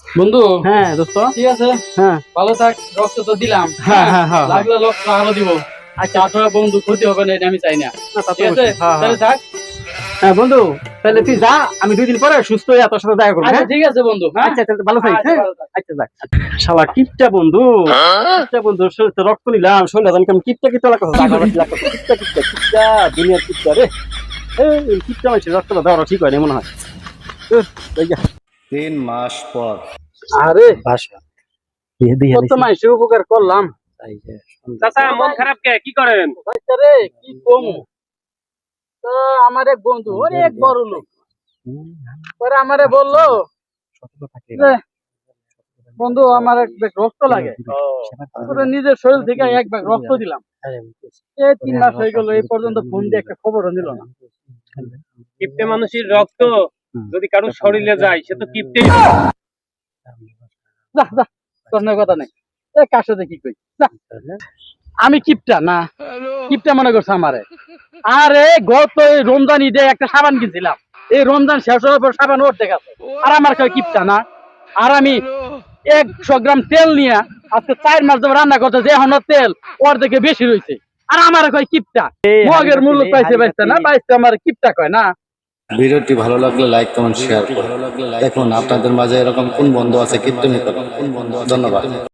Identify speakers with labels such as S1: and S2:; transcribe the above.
S1: বন্ধু।
S2: হ্যাঁ দোস্ত।
S1: ঠিক আছে,
S2: হ্যাঁ
S1: ভালো থাক। রক্ত তো দিলাম,
S2: হ্যাঁ হ্যাঁ হ্যাঁ
S1: লাগলে রক্ত আরো দিব।
S2: আচ্ছা
S1: তাছাড়া বন্ধু ক্ষতি হবে না, এটা আমি চাই না।
S2: না, তা তো
S1: ঠিক আছে,
S2: অবশ্যই। হ্যাঁ
S1: তাহলে
S2: হ্যাঁ
S1: থাক।
S2: হ্যাঁ বন্ধু, তাহলে তুই যা, আমি 2 দিন পরে সুস্থ হয়ে তোর সাথে দেখা করবো।
S1: আচ্ছা
S2: হ্যাঁ
S1: ঠিক আছে বন্ধু, হ্যাঁ।
S2: আচ্ছা তাহলে ভালো থাকিস।
S1: আচ্ছা,
S2: হ্যাঁ
S1: ভালো থাক।
S2: আচ্ছা যাক। শালা কিপটা বন্ধু, কিপটা বন্ধু, শরীর তো রক্ত নিলাম, শরীর জানি কেমন কিপটা কিপটা লাগতো, জাগা বাকি লাগতো, কিপটা কিপটা কিপটা, দুনিয়ার কিপটা রে। এই কিপটা মানুষের রক্তটা দেওয়াটা ঠিক হয় না মনে হয়। উহ, এই যা।
S3: 3 মাস পর।
S2: আরে বাসা কত মানুষের উপকার করলাম।
S4: চাচা মন খারাপ কে কি করেন?
S1: রে কি কমু, তো আমার এক বন্ধু অনেক বড় লোক, পরে আমারে বললো যে, বন্ধু আমার এক ব্যাগ রক্ত লাগে। পরে নিজের শরীর থেকে এক ব্যাগ রক্ত দিলাম। এই 3 মাস হয়ে গেল, এই পর্যন্ত ফোন দিয়ে একটা খবরও নিল না।
S4: কিপ্টে মানুষের রক্ত যদি কারো শরীরে যায় সে তো কিপ্টেই।
S1: যা যা, তোর না কথা নেই। এ কার সাথে কি কই, যা। আমি কিপটা না, কিপটা মনে করছে আমারে। আরে গত এই রমজান ঈদে একটা সাবান কিনছিলাম, এই রমজান শেষ হওয়ার পর সাবান ওর দেখাচ্ছে, আর আমার কয় কিপটা না। আর আমি 100 গ্রাম তেল নিয়ে আজকে 4 মাস ধরে রান্না করতেছে, এখন ওর তেল ওর থেকে বেশি রয়েছে, আর আমার কয় কিপটা। মগের মূল্য পাইছে বাইসটা না, বাইসটা আমার কিপটা কয় না।
S3: ভিডিওটি ভালো লাগলে লাইক কমেন্ট শেয়ার করুন। দেখুন আপনাদের মাঝে এরকম কোন বন্ধু আছে কীর্তনী করে। ধন্যবাদ।